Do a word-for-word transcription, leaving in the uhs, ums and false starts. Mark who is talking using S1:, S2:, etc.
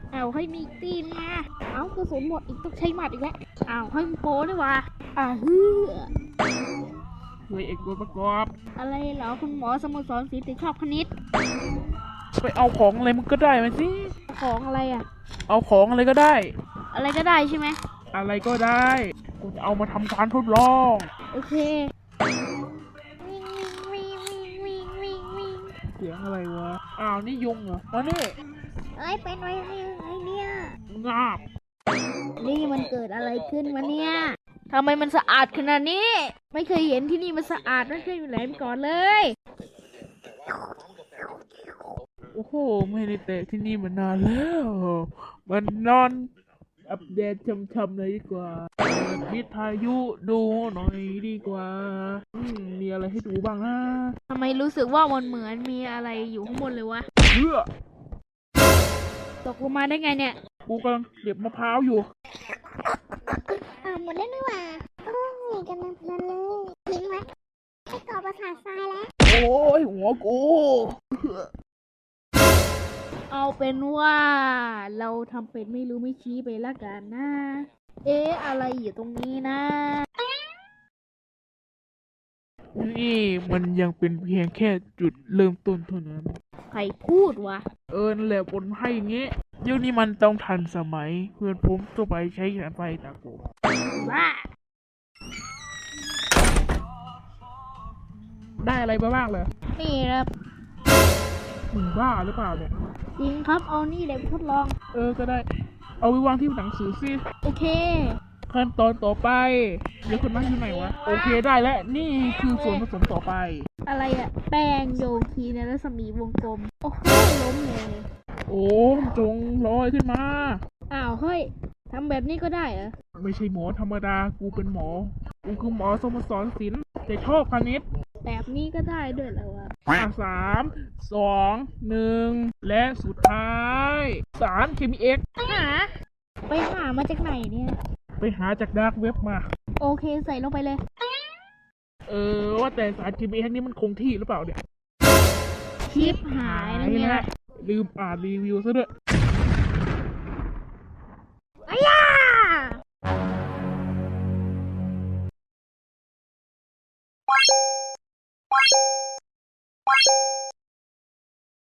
S1: เอาให้มีตีนมาเอากระสุนหมดอีกต้องใช้หมัดอีกแล้วเอาให้มันโป้ด้วยวะอ่าฮือ
S2: เฮ้ยเอกตัวประกอบ
S1: อะไรเหรอคุณหมอสโมสรศิลป์ถึงชอบคณิต
S2: ไปเอาของอะไรมึงก็ได้มาสิ
S1: ของอะไรอ่ะ
S2: เอาของอะไรก็ได้
S1: อะไรก็ได้ใช่ไหม
S2: อะไรก็ได้กูจะเอามาทำการทดลอง
S1: โอเควิ่งวิ่งวิ่งวิ่งวิ่งวิ่ง
S2: เสียงอะไรวะอ้าวนี่ยุงเหรอมานี่
S1: เอ้ยเป็นไว้ไอ้เนี่ย
S2: งาบ
S1: นี่มันเกิดอะไรขึ้นวะเนี่ยทำไมมันสะอาดขนาดนี้ไม่เคยเห็นที่นี่มันสะอาดไม่เคยอยู่ไหนมาก่อนเลย
S2: โอ้โหไม่ได้เตะที่นี่มานานแล้วมันนอนอัปเดตช้ำๆเลยดีกว่าเปิดวิทยุดูหน่อยดีกว่าอืมมีอะไรให้ดูบ้างนะ
S1: ทำไมรู้สึกว่ามันเหมือนมีอะไรอยู่ข้างบนเลยวะ
S2: เพื่อ
S1: ตกลงมาได้ไงเนี่ย
S2: กูกำลังเก็บมะพร้าวอยู่
S1: อ่าหมดแล้วนี่หว่าโอ้ยกำลังเพลินเลยทิ้งไว้ให้ก่อประสาททรายแล้ว
S2: โอ้ยหัวกู
S1: เอาเป็นว่าเราทำเป็นไม่รู้ไม่ชี้ไปละกันนะเอ๊ะอะไรอยู่ตรงนี้นะ
S2: นี่มันยังเป็นเพียงแค่จุดเริ่มต้นเท่านั้น
S1: ใครพูดวะ
S2: เออนั่นแหละบนให้อย่างงี้ยุคนี้มันต้องทันสมัยเพื่อนผมตัวไปใช้แสงไฟตาโก
S1: บ้า
S2: ได้อะไรมาบ้างเลย
S1: นี่ครับ
S2: มึงบ้าหรือเปล่าเนี่ย
S1: จริงครับเอานี่เดี๋ยวทดลอง
S2: เออก็ได้เอาไปวางที่หนังสือสิ
S1: โอเค
S2: ขั้นตอนต่อไปเดี๋ยวคนนั่งอยู่ไหนวะโอเคได้แล้วนี่คือส่วนผสมต่อไป
S1: อะไรอะแป้งโยคีในรัศมีวงกลมโอ้โหล้มเลย
S2: โอ้จงลอยขึ้นมา
S1: อ้าวเฮ้ยทำแบบนี้ก็ได้เหรอ
S2: ไม่ใช่หมอธรรมดากูเป็นหมอกูคือหมอสมสรศิลป์แต่ชอบคณิต
S1: แบบนี้ก็ได้ด้วยเหรอวะ
S2: สามสองหนึ่งและสุดท้ายสารเคมีเอ็ก
S1: หาไปหามาจากไหนเนี่ย
S2: ไปหาจากดาร์กเว็บมา
S1: โอเคใส่ลงไปเลย
S2: เออว่าแต่สารเคมีเอ็กนี่มันคงที่หรือเปล่าเนี่ย
S1: ชิปหายนะเนี่ย
S2: ลืมอ่านรีวิวซะด้วย